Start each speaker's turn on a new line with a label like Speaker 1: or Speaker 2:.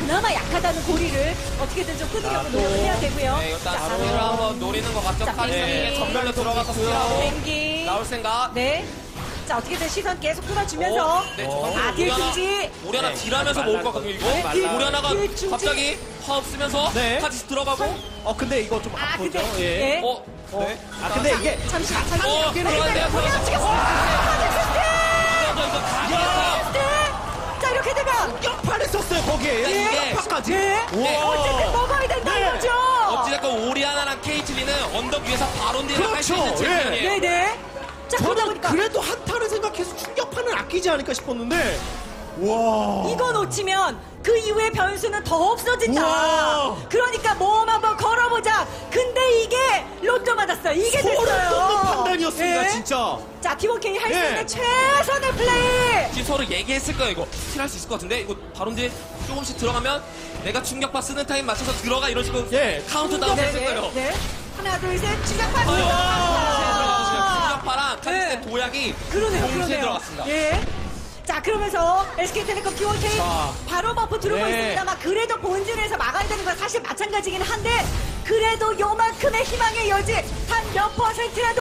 Speaker 1: 그나마 약하다는 고리를 어떻게든 좀 끊으려고 노력을 해야 되고요.
Speaker 2: 네, 일단
Speaker 1: 자,
Speaker 2: 스킬을 한번 노리는 것 같죠.
Speaker 1: 자,
Speaker 2: 카리스이
Speaker 1: 뱅기.
Speaker 2: 전멸로 들어가서 스킬하고
Speaker 1: 뱅기.
Speaker 2: 나올 생각.
Speaker 1: 네. 자, 어떻게든 시선 계속 끌어주면서.
Speaker 2: 네,
Speaker 1: 아, 딜금지.
Speaker 2: 오리아나 딜하면서
Speaker 3: 네,
Speaker 2: 모을 것 같거든요, 이거.
Speaker 1: 딜,
Speaker 2: 오리아나가
Speaker 1: 딜,
Speaker 2: 갑자기 화 없으면서
Speaker 3: 네.
Speaker 2: 같이 들어가고.
Speaker 3: 근데 이거 좀
Speaker 1: 아,
Speaker 3: 아프죠?
Speaker 1: 근데.
Speaker 3: 예.
Speaker 1: 예.
Speaker 2: 네.
Speaker 3: 아, 근데 이게.
Speaker 1: 잠시만.
Speaker 2: 들어간대요, 이거
Speaker 1: 자, 이렇게 되면.
Speaker 3: 역파를 썼어요, 거기에.
Speaker 2: 이게.
Speaker 3: 역파까지.
Speaker 1: 네.
Speaker 2: 네.
Speaker 1: 어쨌든 먹어야 된다
Speaker 3: 네.
Speaker 1: 이거죠.
Speaker 2: 어찌됐건 오리아나랑 케이틀리는 언덕 위에서 바론딜을 할 수 있는
Speaker 3: 그렇죠.
Speaker 2: 챔피언이에요.
Speaker 1: 네네. 자, 그러다
Speaker 3: 저는
Speaker 1: 보니까.
Speaker 3: 그래도 한타를 생각해서 충격파는 아끼지 않을까 싶었는데. 와.
Speaker 1: 이거 놓치면 그 이후에 변수는 더 없어진다.
Speaker 3: 우와.
Speaker 1: 그러니까 모험 한번 걸어보자. 근데 이게 로또 맞았어요. 이게
Speaker 3: 소름
Speaker 1: 됐어요.
Speaker 3: 돋는 판단이었습니다,
Speaker 1: 예.
Speaker 3: 진짜.
Speaker 1: 자, T1K 할 수
Speaker 3: 예.
Speaker 1: 있는 최선의 플레이.
Speaker 2: 지금 서로 얘기했을 거예요, 이거. 스킬할 수 있을 것 같은데? 이거 바론딜 조금씩 들어가면 내가 충격파 쓰는 타임 맞춰서 들어가 이런 식으로
Speaker 3: 예.
Speaker 2: 카운트다운 했을 거예요.
Speaker 1: 네. 하나, 둘, 셋. 시작합니다.
Speaker 2: 충격파랑 카리스의
Speaker 1: 네.
Speaker 2: 도약이
Speaker 1: 그러네요,
Speaker 2: 동시에
Speaker 1: 그러네요.
Speaker 2: 들어갔습니다.
Speaker 1: 예. 자, 그러면서 SK텔레콤 T1K
Speaker 3: 자.
Speaker 1: 바로 버프 들어오고
Speaker 3: 네.
Speaker 1: 있습니다만 그래도 본진에서 막아야 되는 건 사실 마찬가지긴 한데 그래도 요만큼의 희망의 여지 한 몇 %라도